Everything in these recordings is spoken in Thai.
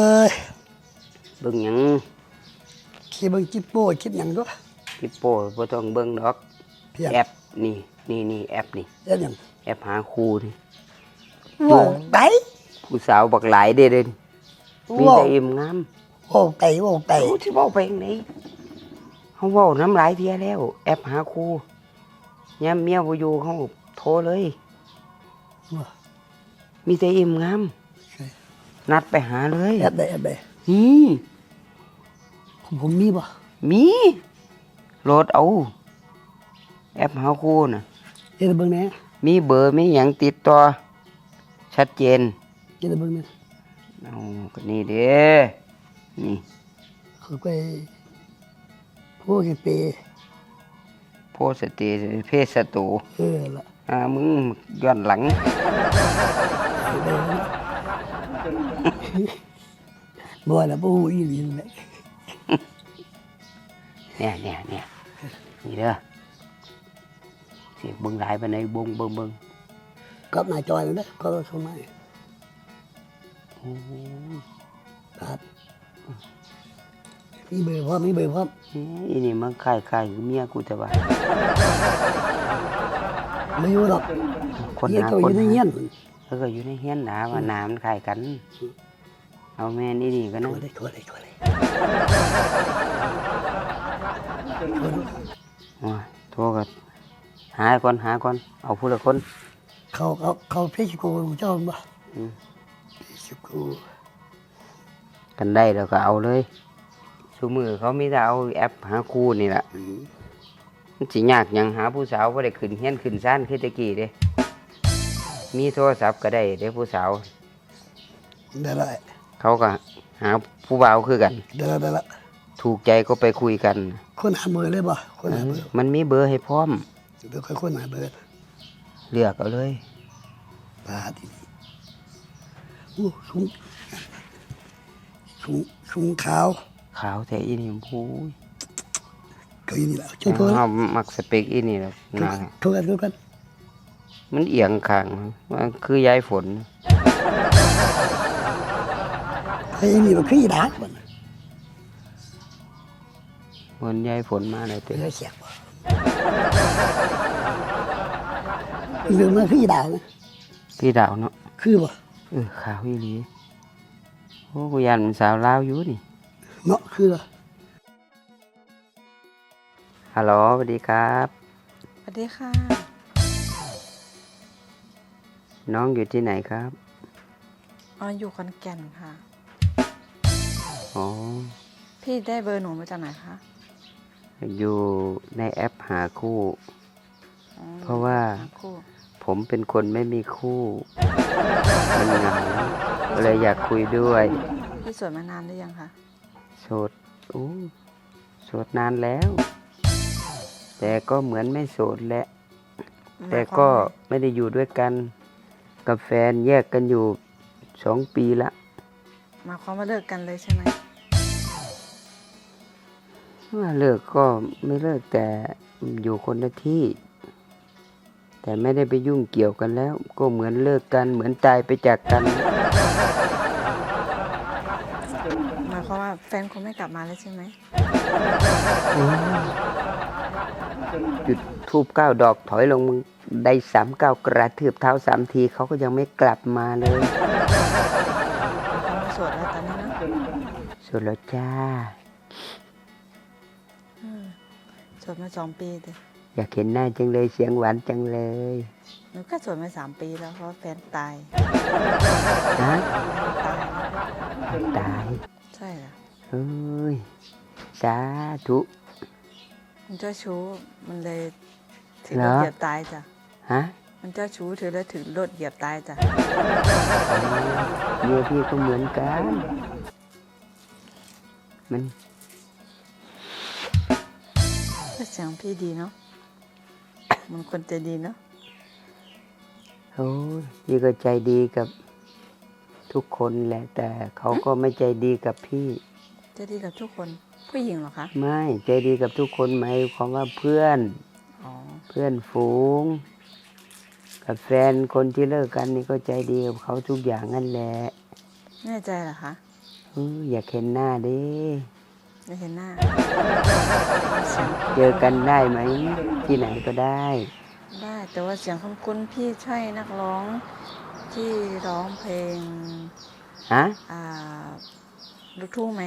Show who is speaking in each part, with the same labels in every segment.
Speaker 1: ย
Speaker 2: เบิ่งหยัง
Speaker 1: คิดเบิ่งจิปโป้คิดหยังด้วย
Speaker 2: จิปโป้บ่ต้องเบิ่งดอกแอปนี่แอปนี่
Speaker 1: แอปหยัง
Speaker 2: แอปหาคู่นี่
Speaker 1: โว้ไต
Speaker 2: ผู้สาวบักหลายเด้มีแต่อิ่มงาม
Speaker 1: โว้ไต
Speaker 2: สิเว้าไปจังได๋เฮาเว้าน้ำหลายเที่ยแล้วแอปหาคู่ยามเมียบ่อยู่เฮาโทรเลยมีแต่อิ่มงามนัดไปหาเลย
Speaker 1: แอปใดผมมีบ่
Speaker 2: มีโหลดเอาแอปหาคู่น่ะ
Speaker 1: เฮ็ดเบิ่งแหน่
Speaker 2: มีเบอร์มีหยังติดต่อชัดเจน
Speaker 1: เฮ็ดเบิ่งแหน่
Speaker 2: เอาก็นี่เด้นี่
Speaker 1: เขาไปพวกเป
Speaker 2: โพสติเพศศัตรู
Speaker 1: ล่ะ
Speaker 2: มึงย้อนหลัง
Speaker 1: บ่ล่ะบ่ฮู้อีหลีแหละ
Speaker 2: เนี่ยนี่เด้อสิเบิ่งหลายปานใดเบิ่ง
Speaker 1: กับหน้าจอนั่นเด้อก็เข้ามา
Speaker 2: โอ้
Speaker 1: ครับมีเบอร์พร้อม
Speaker 2: อีนี่มันคล้ายๆเมียกูแต่ว่า
Speaker 1: ไม่อยู่หรอก
Speaker 2: คนหาคนอยู่ในเฮียนแล้วก็อยู่ในเฮียนหนาว่าน้ำมันคล้ายกันเอาแม่นี่ก็นะ
Speaker 1: โทรเลย
Speaker 2: โทรกันหาก่อนเอาผู้ละคน
Speaker 1: เขาเพชรกูเจ้าบ่เพชรกู
Speaker 2: กันได้แล้วก็เอาเลยซุมื้อเขามีแต่เอาแอปหาคู่นี่ล่ะมันสิยากหยังหาผู้สาวบ่ได้ขึ้นเฮียนขึ้นศาลคือแต่กี้เด้มีโทรศัพท์ก็ได้เด้ผู้สาว
Speaker 1: ได้
Speaker 2: เขาก็หาผู้บ่าวคือกัน
Speaker 1: ได้ละ
Speaker 2: ถูกใจก็ไปคุยกัน
Speaker 1: คนหาเบอร์เลยบ่คนหาเบอร์
Speaker 2: มันมีเบอร์ให้พร้อม
Speaker 1: เดี๋ยวค่อยคนหาเบอร์
Speaker 2: เลือกเอาเลย
Speaker 1: ปาดีโอ้ชุงขาว
Speaker 2: แต่อีนี่พูย
Speaker 1: ก็อีนี่แหละช่วยโทร
Speaker 2: มักสเปกอีนี่แหละนะ
Speaker 1: โทรกัน
Speaker 2: มันเอียงข้างมันคือยายฝน
Speaker 1: ไอ้นี่มันคืออีดาบ่
Speaker 2: มันยายฝนมาเลยเต้
Speaker 1: เสียบเรื่องมันคืออีดานะ
Speaker 2: พี่ดาวเนาะ
Speaker 1: คือบ่
Speaker 2: ขาวอีหลีโอ้กูยันสาวลาวอยู่นี่
Speaker 1: เนาะคือ
Speaker 2: ฮัลโหลสวัสดีครับ
Speaker 3: สวัสดีค่ะ
Speaker 2: น้องอยู่ที่ไหนครับ
Speaker 3: อยู่ขอนแก่นค่ะ
Speaker 2: อ๋อ
Speaker 3: พี่ได้เบอร์หนูมาจากไหนคะ
Speaker 2: อยู่ในแอปหาคู่เพราะว่าผมเป็นคนไม่มีคู่มันเหงาเลยอยากคุยด้วย
Speaker 3: พี่โสดมานานหรือยังคะ
Speaker 2: โสดนานแล้วแต่ก็เหมือนไม่โสดแหละแต่ก็ไม่ได้อยู่ด้วยกันกับแฟนแยกกันอยู่2 ปีละ
Speaker 3: มาความว่าเลิกกันเลยใช่ไหม
Speaker 2: ว่าเลิกก็ไม่เลิกแต่อยู่คนละที่แต่ไม่ได้ไปยุ่งเกี่ยวกันแล้วก็เหมือนเลิกกันเหมือนตายไปจากกัน
Speaker 3: หมายความว่าแฟนคงไม่กลับมาแล้วใช่ไหม
Speaker 2: จุดธูป9 ดอกถอยลงมึงได้3 ก้าวกระทืบเท้า3 ทีเขาก็ยังไม่กลับมาเลย
Speaker 3: โสดแล้วตอนนี้นะ
Speaker 2: โสดแล้วจ้า
Speaker 3: โสดมา2 ปีเลย
Speaker 2: อยากเห็นหน้าจังเลยเสียงหวานจังเลย
Speaker 3: หนูก็โสดมา3 ปีแล้วเพราะแฟนตาย
Speaker 2: ฮะตาย
Speaker 3: ใช่เหรอ
Speaker 2: เฮ้ยสาธุ
Speaker 3: มันเจ้าชู้มันเลยถึงรถเหยียบตายจ้ะ
Speaker 2: ฮะ
Speaker 3: มันเจ้าชู้ถือแล้วถึงรถเหยียบตายจ้ะ
Speaker 2: เมียพี่ก็เหมือนกันมัน
Speaker 3: เสียงพี่ดีเนาะมันคนใจดีเนาะ
Speaker 2: โอ้ยพี่ก็ใจดีกับทุกคนแหละแต่เขาก็ไม่ใจดีกับพี่
Speaker 3: ใจดีกับทุกคนผู้หญิงเหรอคะ
Speaker 2: ไม่ใจดีกับทุกคนหมายความว่าเพื่อนฝูงกับแฟนคนที่เลิกกันนี่ก็ใจดีกับเขาทุกอย่างนั่นแหละ
Speaker 3: แน่ใจเหรอคะ
Speaker 2: อยากเห็นหน้าดิ
Speaker 3: ไม่เห็นหน้า
Speaker 2: เจอกันได้ไหมที่ไหนก็ได้
Speaker 3: ได้แต่ว่าเสียงคุ้นๆพี่ใช่นักร้องที่ร้องเพลง
Speaker 2: ฮะ
Speaker 3: ลูกทุ่งไหม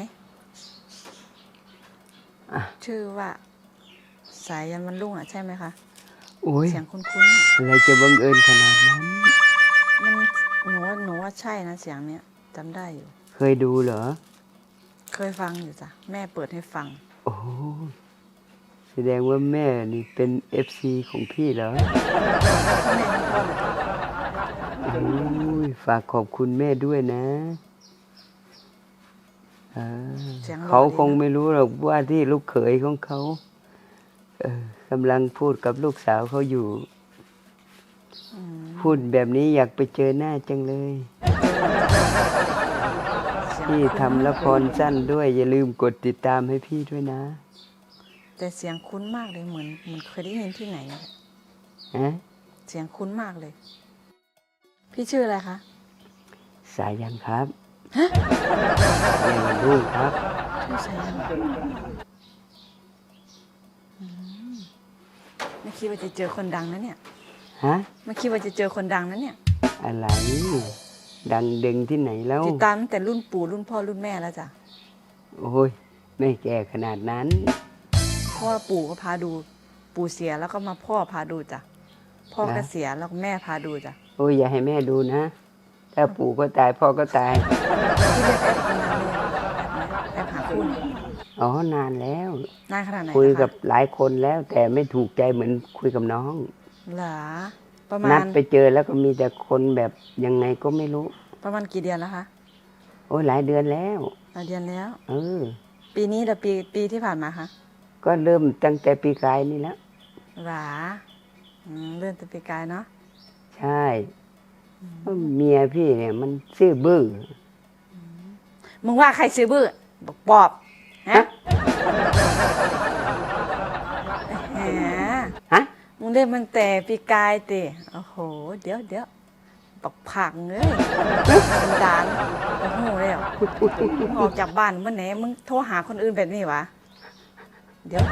Speaker 2: อ่ะ
Speaker 3: ชื่อว่าสายยันวันรุ่งอ่ะใช่ไหมคะ
Speaker 2: โอ้ย
Speaker 3: เสียงคุ้น
Speaker 2: อะไรจะบังเอิญขนาดนั้น
Speaker 3: ๆมันหนูว่าใช่นะเสียงเนี้ยจำได้อยู่
Speaker 2: เคยดูเหรอ
Speaker 3: เคยฟังอยู่จ้ะแม่เปิดให้ฟัง
Speaker 2: โอ้แสดงว่าแม่นี่เป็น FC ของพี่เหรอ
Speaker 3: แม่ทั้งพ่อเลยจ้ะ
Speaker 2: โอ้ยฝากขอบคุณแม่ด้วยนะ
Speaker 3: เสียงหล่อ
Speaker 2: เขา
Speaker 3: ดีนะ
Speaker 2: คงไม่รู้หรอกว่าที่ลูกเขยของเขากำลังพูดกับลูกสาวเขาอยู่
Speaker 3: อืม
Speaker 2: พูดแบบนี้อยากไปเจอหน้าจังเลย
Speaker 3: เสียง
Speaker 2: พี่
Speaker 3: คุ้น
Speaker 2: ทำละครสั้นด้วย อย่าลืมกดติดตามให้พี่ด้วยนะ
Speaker 3: แต่เสียงคุ้นมากเลยเหมือนเคยได้ยินที่ไหนอะ
Speaker 2: ฮะ
Speaker 3: เสียงคุ้นมากเลย พี่ชื่ออะไรคะ
Speaker 2: สายันครับสายันวันรุ่งครับ
Speaker 3: ชื่อสายันไม่คิดว่าจะเจอคนดังนะเนี่ย
Speaker 2: ฮะ
Speaker 3: ไม่คิดว่าจะเจอคนดังนะเนี่ย
Speaker 2: อะไร ดังเดึงที่ไหนแล้ว
Speaker 3: ติดตามตั้งแต่รุ่นปู่รุ่นพ่อรุ่นแม่แล้วจ้ะ
Speaker 2: โอ้ย ไม่แก่ขนาดนั้น
Speaker 3: เพราะว่าปู่ก็พาดู ปู่เสียแล้วก็มาพ่อพาดูจ้ะ พ่อก็
Speaker 2: นะ
Speaker 3: เสียแล้วก็แม่พาดูจ้ะ
Speaker 2: โอ้ย อย่าให้แม่ดูนะ ถ้าปู่ก็ตายพ่อก็ตาย
Speaker 3: ที่เล่นแอปมานานเลยงแอปหาคู่เนี่ย
Speaker 2: อ๋อนานแล้ว
Speaker 3: นานขนาดไหน
Speaker 2: คุย
Speaker 3: นะคะ
Speaker 2: กับหลายคนแล้ว แต่ไม่ถูกใจเหมือนคุยกับน้อง
Speaker 3: เหรอประมา
Speaker 2: นั
Speaker 3: ณ
Speaker 2: ดไปเจอแล้วก็มีแต่คนแบบยังไงก็ไม่รู้
Speaker 3: ประมาณกี่เดือนแล้วคะ
Speaker 2: โอ้ยหลายเดือนแล้ว
Speaker 3: หลายเดือนแล้ว
Speaker 2: เออ
Speaker 3: ปีนี้หรือปีที่ผ่านมาคะ
Speaker 2: ก็เริ่มตั้งแต่ปีกายนี่แล้ว
Speaker 3: หรอเลื่อนแต่ปีกายเนาะ
Speaker 2: ใช่เพราะเมียพี่เนี่ยมันซื่อบื้อ
Speaker 3: มึงว่าใครซื้อบื้อบอกปอบฮะแหม
Speaker 2: ฮะ
Speaker 3: มึงเล่นมันแต่ปีกายติโอ้โห เดี๋ยวบอกผักเอ้ยสันดานโอ้โหเลยมึงออกจากบ้านเมื่อไหร่มึงโทรหาคนอื่นแบบนี้วะเดี๋ยว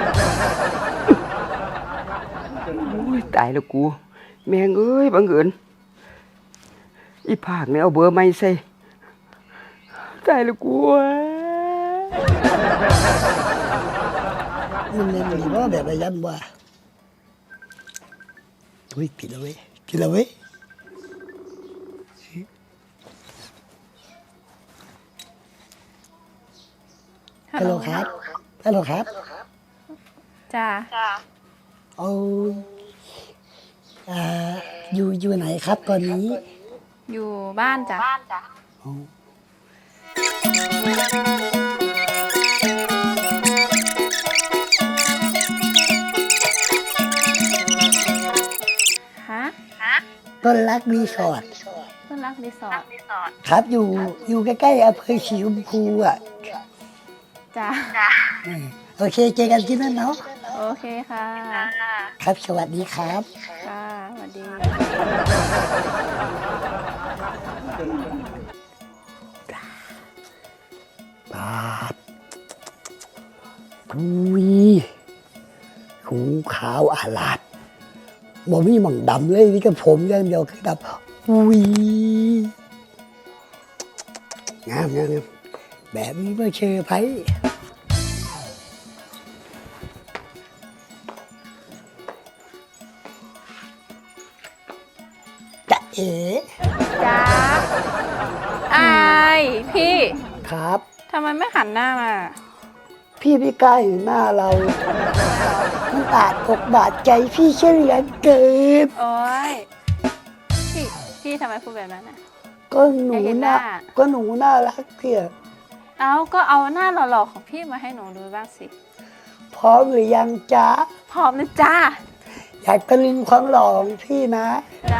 Speaker 2: โอ้ยตายแล้วกู แม่งเอ้ยบังเอิญอีภาคเนี่ยเอาเบอร์ไม่ใส่ตายแล้วกู
Speaker 1: มันเล่นหรือว่าแบบระยันว่าอุ้ยผิดแล้วเว้ยผิดแล้วเว้ยฮัลโหลครับฮัลโหลครับ
Speaker 4: จ้า
Speaker 1: เอาอยู่ไหนครับตอนนี้
Speaker 4: อยู่บ้านจ้ะ
Speaker 1: เอา
Speaker 4: ฮะ
Speaker 1: ต้นรักรีสอร์ท
Speaker 4: เพื่อนรักรีสอร์ท
Speaker 1: ครับอยู่ใกล้ๆอำเภอสีชมพูอ่ะ
Speaker 4: จ้า
Speaker 1: โอเคเจอกันที่นั่นเนาะ
Speaker 4: โอเคค่ะ
Speaker 1: ครับสวัสดีครับ
Speaker 4: ค่ะสวัสดี
Speaker 1: ปาดกุยหูขาวอาลาดบ่มีหม่องดำเลยนี่ก็ผมอย่างเดียวคือดำอุ้ยงามแบบนี้ไม่เชอไผจะเอ๋
Speaker 4: จ้าอายพี่
Speaker 1: ครับ
Speaker 4: ทำไมไม่หันหน้ามา
Speaker 1: พี่ไม่กล้าเห็นหน้าเรา มันอาจอกบาดใจพี่เช่นเหลือเกิน
Speaker 4: โอ๊ย พี่ทำไมพูดแบบนั้นอ่ะ
Speaker 1: ก็หนู
Speaker 4: อยากเห็นห
Speaker 1: น่า
Speaker 4: น้า
Speaker 1: ก็หนูน่ารักเพี่ย
Speaker 4: ก็เอาหน้าหล่อๆของพี่มาให้หนูดูบ้างสิ
Speaker 1: พร้อมหรือยังจ๊ะ
Speaker 4: พร้อมนะจ้า
Speaker 1: อยากตะลึงความหล่อของพี่นะ
Speaker 4: จ้า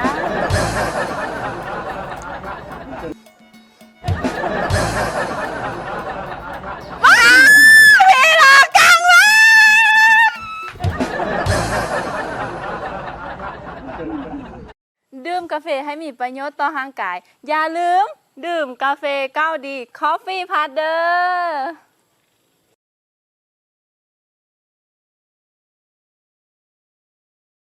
Speaker 4: ดื่มกาแฟให้มีประโยชน์ต่อร่างกาย อย่าลืมดื่มกาแฟก้าวดี Coffee Partner